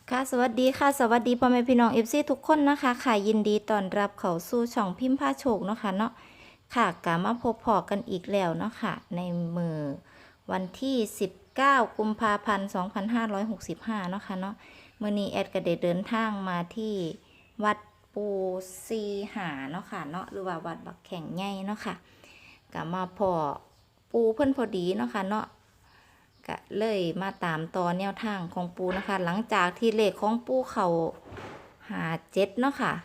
ค่ะสวัสดีค่ะสวัสดีพ่อแม่พี่น้องเอฟซีทุกคนนะคะค่ะยินดีต้อนรับเข้าสู่ช่องพิมพ์ผ้าโชคเนาะค่ะเนาะค่ะกลับมาพบพอกันอีกแล้วเนาะค่ะในมือวันที่19กุมภาพันธ์2565เนาะค่ะเนาะมื้อนี้แอดก็ได้เดินทางมาที่วัดปูซีหาเนาะค่ะเนาะหรือว่าวัดบักแข่งใหญ่เนาะค่ะกลับมาพอปูเพิ่นพอดีเนาะค่ะเนาะก็เลยมาตามต่อแนวทางของปูนะคะหลังจากที่เลขของปูเขาหา7เนาะค่ะ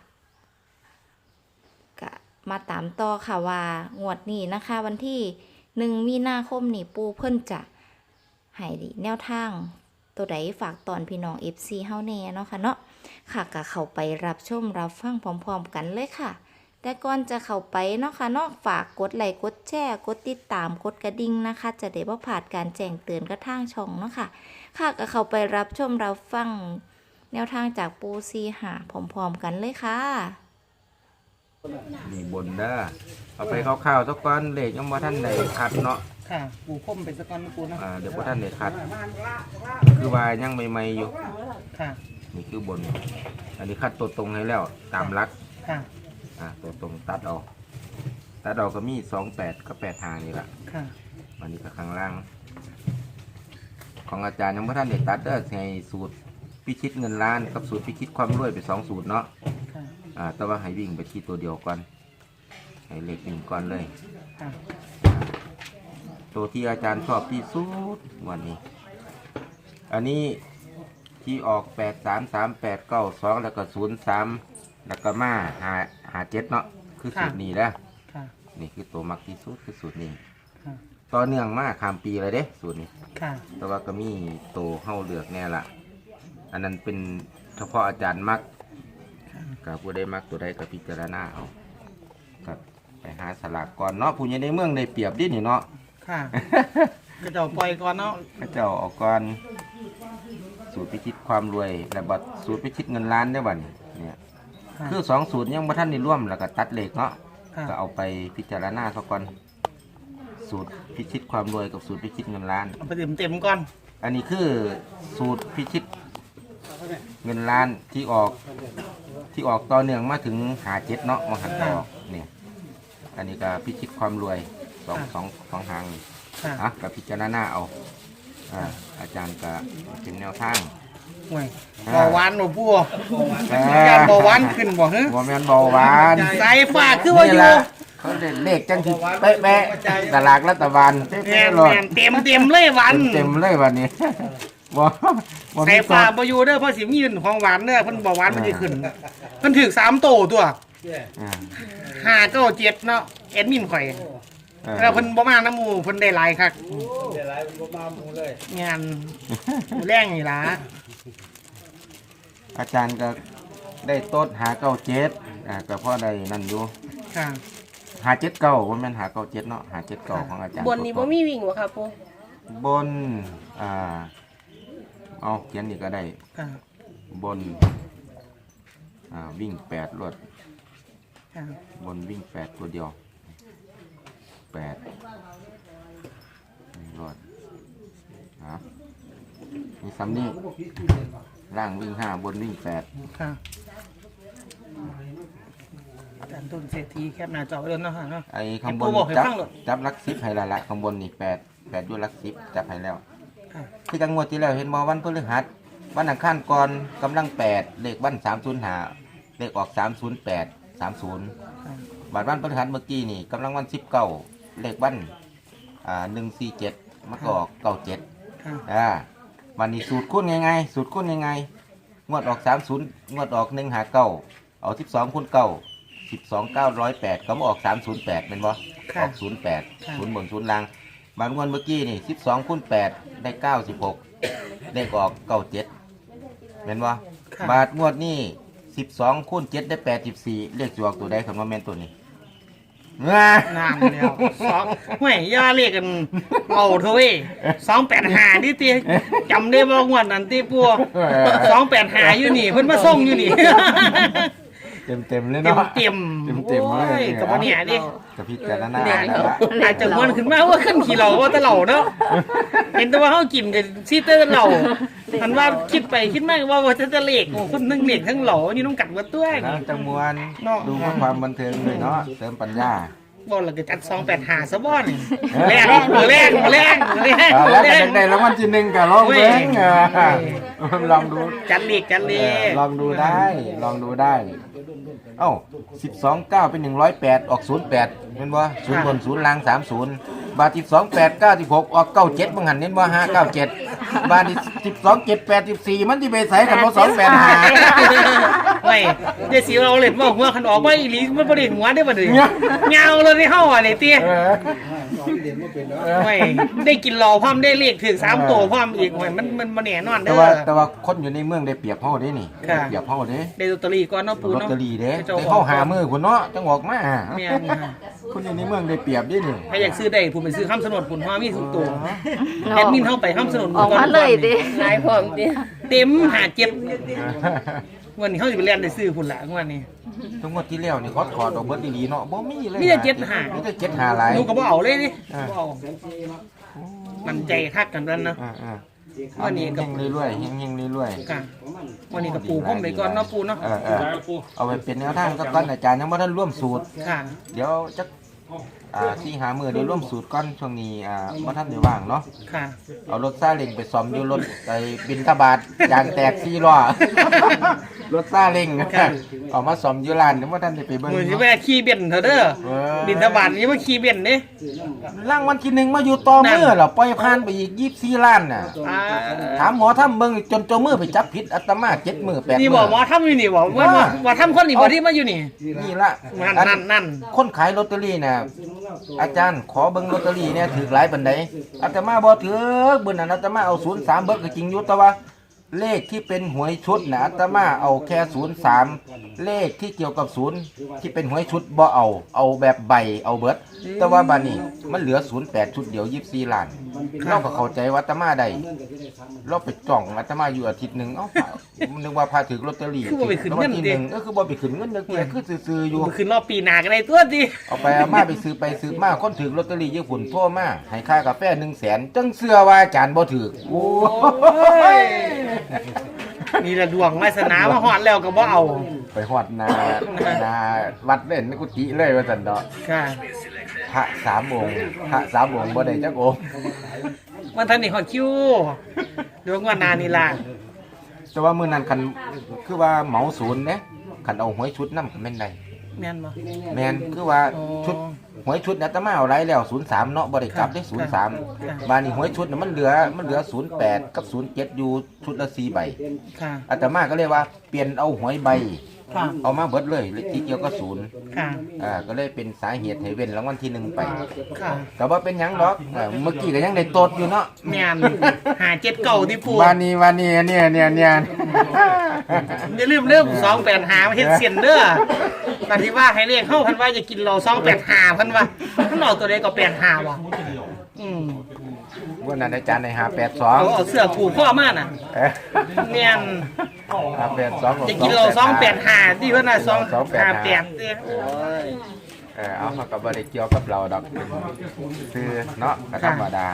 ก็มาตามต่อค่ะว่างวดนี้นะคะวันที่1 มีนาคมนี่ปูเพิ่นจะให้แนวทางตัวใดฝากตอนพี่น้อง FC เฮาแน่เนาะค่ะเนาะค่ะก็เข้าไปรับชมรับฟังพร้อมๆกันเลยค่ะแต่ก่อนจะเข้าไปเนาะค่ะเนาะฝากกดไลค์กดแชร์กดติดตามกดกระดิ่งนะคะจะได้บ่พลาดการแจ้งเตือนกระทางช่องเนาะค่ะค่ะก็เข้าไปรับชมรับฟังแนวทางจากปูซีหาพร้อมๆกันเลยค่ะนี่บนเด้อเอาไปคร่าวๆสักก้อนเลขยังบ่ท่านได้คัดเนาะค่ะปูพ่มเป็นสกอนปูนะเดี๋ยวบ่ท่านได้คัดคือว่ายังใหม่ๆอยู่ค่ะนี่คือบน อันนี้คัดตัวตรงให้แล้วตามหลักค่ะตัวตรงตัดเอาก็มี28กับ85นี่ล่ะค่ะอันนี้ก็ข้างล่าง ของอาจารย์ยังบ่ท่านได้ตัดเด้อให้สูตรพิชิตเงินล้านกับสูตรพิชิตความรวยไป2สูตรเนาะค่ะแต่ว่าให้วิ่งไปที่ตัวเดียวก่อนให้เลขวิ่งก่อนเลยค่ะตัวที่อาจารย์ชอบที่สุดวันนี้ อันนี้ที่ออก83382แล้วก็03แล้วก็มา57เนาะคือสูตรนี้แล้วค่ะนี่คือตัวมักที่สุดคือสูตรนี้ค่ะต่อเนื่องมาข้ามปีเลยเด้สูตรนี้ค่ะแต่ว่าก็มีตัวเข้าเลือกแน่ละอันนั้นเป็นเฉพาะอาจารย์มักกับผู้ใดมักตัวใดก็พิจารณาเอากับไปหาสลากก่อนเนาะผู้ใหญ่ในเมืองได้เปรียบดินี่เนาะค่ะก็จะปล่อยก่อนเนาะพระเจ้าออกก่อนสูตรพิชิตความรวยและบัตรสูตรพิชิตเงินล้านได้บ่เนี่ยเนี่ยค่ะคือ2สูตรยังบ่ทันได้ร่วมแล้วก็ตัดเลขเนาะค่ะก็เอาไปพิจารณาซะก่อนสูตรพิชิตความรวยกับสูตรพิชิตเงินล้านเอาไปเต็มก่อนอันนี้คือสูตรพิชิตเงินล้านที่ออกต่อเนื่องมาถึง57เนาะมาหันต่อเนี่ยอันนี้ก็พิชิตความรวยสองหางนี่ค่ะกับพิจารณาเอาอาจารย์ก็เป็นแนวทางห่วยเบาหวานหนูปูกาการเบาหวานขึ้นบ่ฮะบ่แม่นเบาหวานสายฟ้าคือว่าอยู่นี่ล่ะเขาได้เลขจังสิเป๊ะๆตลาดรัฐบาลเป๊แม่ะนๆเลยแม่นเต็มเลยหวานเต็มเลยวันนี้ บ่บ่สามียตัฟ้าว บ่อยู่เด้อเพราะสิมีของหวานเด้อเพิ่นเบาหวานมันสิขึ้นเพิ่นถึก3โตตัวอ่า 5 9 7เนาะแอดมินข่อย แล้วเพิ่นบ่มาน้ำหมู่เพิ่นได้หลายคักเดี๋ยวไรมันก็มาหมูเลยงานแรงนี่ล่ะอาจารย์ก็ได้โต๊ดหา97ก็พอได้นั่นอยู่ค่ะหา79บ่แม่นหา97เนาะหา79ของอาจารย์บนนี้บ่มีวิ่งวะค่ะปูบนเอาเขียนนี่ก็ได้ค่ะบนวิ่ง8รวดค่ะบนวิ่ง8ตัวเดียว8รวดมีซ้ำนี่ล่างวิ่ง5บนวิ่ง8 ค่ะอาจารย์ต้นเศรษฐีแคบหน้าจอไว้เลยเนาะค่ะเนาะไอ้ข้างบนให้ปู่บอกให้จับฟังหน่อยจับลัก10ให้ละข้างบนนี่8อยู่ลัก10จับให้แล้วค่ะคือจังงวดที่แล้วเห็นบ่วันพฤหัสวันอังคารก่อนกำลัง8เลขวัน305เลขออก308 30บาทวันพฤหัสเมื่อกี้นี่กำลังวัน19เลขวัน147มันก็ออก97 ค่ะวันนี้สูตรคูณยังไงสูตรคูณยังไงงวดออก30งวดออก159เอา12คูณ9 12 908ก็มาออก308เป็นบ่ออก08 0บน0ล่างบางวันเมื่อกี้นี่12คูณ8ได้96เลขออก97เป็นบ่บาทงวดนี้12คูณ7ได้84เลขสิออกตัวใดคำว่าแม่นตัวนี้นานแล้วสองห่วยย่าเรียกกันเอาเถอะเว้ย285ดิติจำได้บ่งวดนั้นติปัว285อยู่นี่เพิ่นมาส่งอยู่นี่เต็มเลยเต็มเนาะเต็มเต็มเลยกับบ่เนี่ยดิกับพิจารณาอาจจะมวนขึ้นมาว่าขึ้นขี่เหล่าว่าแตะเหล่าเนาะเห็นแต่ว่าเฮากินกันซีเตอร์เหล่ามันว่าคิดไปคิดมาว่าจะเลขโอ้คนทั้งเลขทั้งหล่ออยู่ต้องกัดวัดตัวแล้วจังมวนเนาะดูเพื่อความบันเทิงเลยเนาะเสริมปัญญาบ่เราก็จัด285ซะบ่นี่แรงแรงแรงแล้วก็ได้รางวัลที่หนึ่งก็ลองเบิ่งลองดูจัดเลขลองดูได้ลองดูได้ เอ้า12 9เป็น108ออก08เห็นบ่0บน0ล่าง30บาท12 8 96ออก97บ่หันเห็นบ่597บาท12 7 8 14มันสิไปใส่กันบ่285 ไม่เดี๋ยวสิเอาเล่นบ่หัวคันออกมาอีหลีมันบ่ได้หัวได้บ่ดิยาวเลยที่เฮาอ่ะนี่ติไม่ได้กินเหล้าพร้อมได้เลขถึง3ตัวพร้อมอีกโอ้ยมันบ่แน่นอนเด้อแต่ว่าคนอยู่ในเมืองได้เปรียบเฮาเด้นี่ค่ะได้เปรียบเฮาเด้ได้ลอตเตอรี่ก่อนเนาะปูลอตเนาะเตอรี่เด้เจ้าแต่เฮาหามือพุ่นเนาะจังออกมาแม่นค่ะคนอยู่ในเมืองได้เปรียบเด้นี่ใครอยากซื้อได้ผมไปซื้อคำสนดผุนฮอมีทุกตัวแอดมินเข้าไปคำสนดออกมาเลยดินายพร้อมดิเต็มหาเจ็บวันนี้เขาจะไปเรียนได้ซื้อผุนละวันนี้ทั้งหมดที่แล้วนี่เขาถอดออกเบิดดีๆเนาะบ่มีเลยมีแต่เจ็ดหามีแต่เจ็ดหาหลายหนูก็บ่เอาเลยนี่อ่าบ่เอามันใจคักกันนั้นนะอ่าวันนี้ก็เฮงๆเรื่อยๆเฮงๆเรื่อยๆค่ะวันนี้กับปูพ่มไปก่อนเนาะปูเนาะเอาไปเป็นแนวทางก็ก่อนอาจารย์ยังบ่ทันร่วมสูตรค่ะเดี๋ยวจักที่หามือเดี๋ยวร่วมสูตรก่อนช่วงนี้บ่ทันได้ว่างเนาะค่ะเอารถซาเล้งไปซ่อมอยู่รถไปบินทบาทยางแตก4ล้อ รถซาเล้งเอามาซ่อมอยู่ร้านเดี๋ยวบ่ทันได้ไปเบิ่งมือที่เนาะแม่ขี่เบนเถอะเด้อเออบินทบาทนี่มาขี่เบนเด้รางวัลที่หนึ่งมาอยู่ต่อมือเหรอปล่อยผ่านไปอีก24ล้านน่ะอ่าถามหมอทำเบิ่งจนเจ้ามือไปจับผิดอาตมา7มื้อ8มื้อนี่บอกหมอทำอยู่นี่บอกว่าทำคนนี่บอกที่มาอยู่นี่นี่ละนั่นคนขายลอตเตอรี่น่ะอาจารย์ขอเบิ่งลอตเตอรี่เนี่ยถือหลายปานใดอาตมาบ่ถือเบิ่นนั้นอาตมาเอา03เบิกก็จริงอยู่แต่ว่า เลขที่เป็นหวยชุดน่ะอาตมาเอาแค่03เลขที่เกี่ยวกับ0ที่เป็นหวยชุดบ่เอาแบบใบเอาเบิดแต่ว่าบัดนี้มันเหลือ08ชุดเดียว24ล้านเราก็เข้าใจว่าอาตมาได้เราไปจ้องอาตมาอยู่อาทิตย์หนึงเอ้านึกว่าพาถือลอตเตอรี่คือบ่ไปขึ้นเงินที่เด้ 1ก็คือบ่ไปขึ้นเงินเด้อคือซื่อๆอยู่มันขึ้นรอบปีหน้ากันได้ตัวดิเอาไปเอามาไปซื้อไปซื้อมาคนถือลอตเตอรี่ญี่ปุ่นโทรมาให้ค่ากาแฟ100,000จังเสื้อว่าอาจารย์บ่ถือโอ้ยนี่แหละดวงวาสนามาฮอดแล้วก็บ่เอาไปฮอดนาวัดเล่นในกุฏิเลยว่าซั่นดอกค่ะพระ3องค์พระ3องค์บ่ได้จักองค์วันทันนี่ฮอดคิวดวงว่านานี่ล่ะแต่ว่ามื้อนั้นคันคือว่าเหมาศูนย์เด้คันเอาหวยชุดนำก็แม่นได้แม่นบ่แม่นคือว่าอ๋อชุดหวยชุดอาตมาเอาไรแล้ว03เนาะบ่ได้กลับได้ค่ะ 03บาดนี้หวยชุดน่ะมันเหลือ08กับ07อยู่ชุดละ4ใบค่ะอาตมาก็เลยว่าเปลี่ยนเอาหวยใบค่ะเอามาเบิดเลยที่เกี่ยวกับศูนย์ค่ะก็เลยเป็นสาเหตุให้เว้นรางวัลที่หนึ่งไปค่ะแต่ว่าเป็นหยังดอกเมื่อกี้ก็ยังได้โตดอยู่เนาะแม่นหาเจ็ดเก่าที่ปูวันนี้เนี่ยอย่าลืมเรื่อง285มาเฮ็ดเสียนเด้อตอนที่ว่าให้เลขเข้าเพันว่าจะกินเรา285เพันว่ามันออกตัวใดก็85บ่วันนั้นอาจารย์ในเอาเสื้อผูกข้อมาน่ะ 582 แม่น 582 จะกินเรา285ที่เพิ่นน่ะ258เด้อโอ้ยเอามากับบริเกี่ยวกับเราดอกซื้อเนาะก็ธรรมดา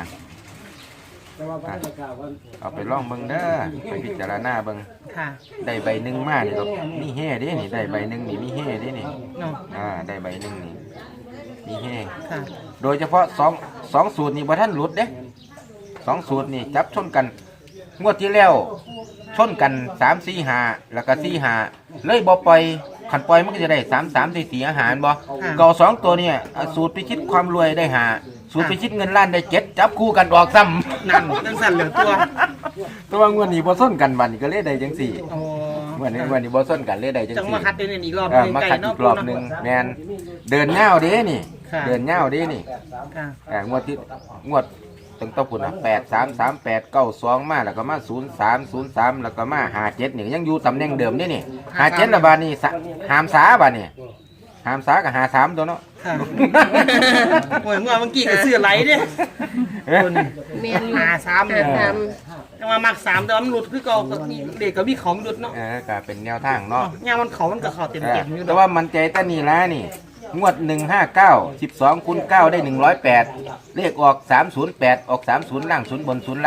เอาไปลองเบิ่งเด้อไปพิจารณาเบิ่งค่ะได้ใบหนึ่งมานี่ก็มีแห่เด้นี่ได้ใบหนึ่งนี่มีแห่เด้นี่เนาะได้ใบหนึ่งนี่มีแห่ค่ะโดยเฉพาะสองสูตรนี่บ่ท่านหลุดเด้2สูตรนี่จับชนกันงวดที่แล้วชนกัน3 4 5แล้วก็4 5เลยบ่ปล่อยขันปล่อยมันก็จะได้3 3 4 4อาหารบ่เก่า2ตัวเนี่ยสูตรพิชิตความรวยได้5สูตรพิชิตเงินล้านได้7จับคู่กันออกซ้ำนั่นจังสั่นเหลือตัวตัวงวดนี้บ่ซ้นกันบัดนี้ก็เลยได้จังซี่โอ้งวดนี้บ่ซ้นกันเลยได้จังจังซี่มาคัดเดินอีกรอบมาไกลคัดเนาะอีกรอบหนึงแม่นเดินยาวเด้นี่ค่ะเดินยาวเด้นี่ค่ะงวดตั้งแต่พุ่นน่ะ833892มาแล้วก็มา03แล้วก็มา57นี่ยังอยู่ตำแหน่งเดิมนี่นี่57ละบาดนี้หามสาบาดนี้หามสากับ53ตัวเนาะค่ะโอ้ยเมื่อกี้ก็ซื้อไหลเด้คนเมียนหา3เนี่ยทแต่ว่ามัก3แต่ว่ามันหลุดคือเก่าก็มีเด็กก็มีเขามันหลุดเนาะก็เป็นแนวทางเนาะย่างมันเขามันก็เข้าเต็มอยู่แต่ว่ามันใจตั้นี่ละนี่งวด159 12คูณ9ได้108เลขออก308ออก30ล่าง0บน0ล่าง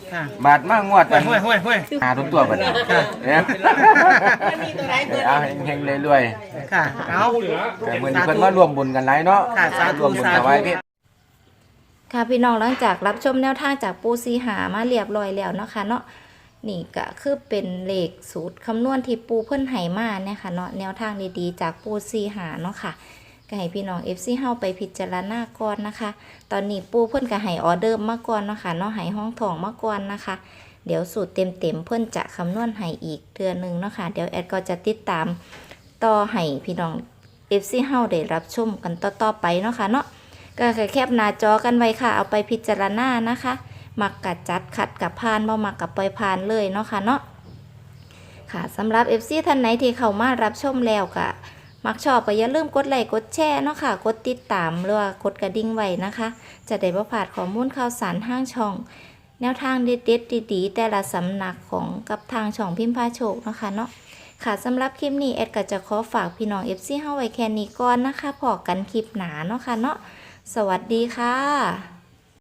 ค่ะบาดมากงวดห้วยห้วยห้วยหาตัวบัดนี้เนี่ยเอาเฮงๆรวยค่ะเอาๆแต่มื้อนี้เพิ่นมารวมบุญกันหลายเนาะค่ะสาธุรวมบุญสาถธุวายเพชรค่ะพี่น้องหลังจากรับชมแนวทางจากปูซีหามาเรียบร้อยแล้วเนาะค่ะเนาะนี่ก็คือเป็นเลขสูตรคำนวณที่ปูเพิ่นให้มาเนี่ยค่ะเนาะแนวทางดีๆจากปูซีหาเนาะค่ะก็ให้พี่น้อง FC เฮาไปพิจารณาก่อนนะคะ ตอนนี้ปูเพิ่นก็ให้ออเดอร์มาก่อนเนาะค่ะเนาะให้ห้องทองมาก่อนนะคะ เดี๋ยวสูตรเต็มๆเพิ่นจะคำนวณให้อีกเดือนหนึงเนาะค่ะเดี๋ยวแอดก็จะติดตามต่อให้พี่น้อง FC เฮาได้รับชมกันต่อๆไปเนาะค่ะเนาะ ก็แคปหน้าจอกันไว้ค่ะ เอาไปพิจารณานะคะ มักกัดจัดขัดกับพานบ่มักกับปล่อยพานเลยเนาะค่ะเนาะค่ะสำหรับ FC ท่านไหนที่เข้ามารับชมแล้วก็มักชอบก็อย่าลืมกดไลค์กดแชร์เนาะค่ะกดติดตามหรือว่ากดกระดิ่งไว้นะคะ จะได้บ่พลาดข้อมูลข่าวสารทางช่อง แนวทางเด็ดๆดีๆแต่ละสำนักของกับทางช่องพิมพ์พาโชคเนาะค่ะเนาะค่ะสำหรับคลิปนี้แอดก็จะขอฝากพี่น้อง FC เฮาไว้แค่นี้ก่อนนะคะพอกันคลิปหนาเนาะค่ะเนาะสวัสดีค่ะ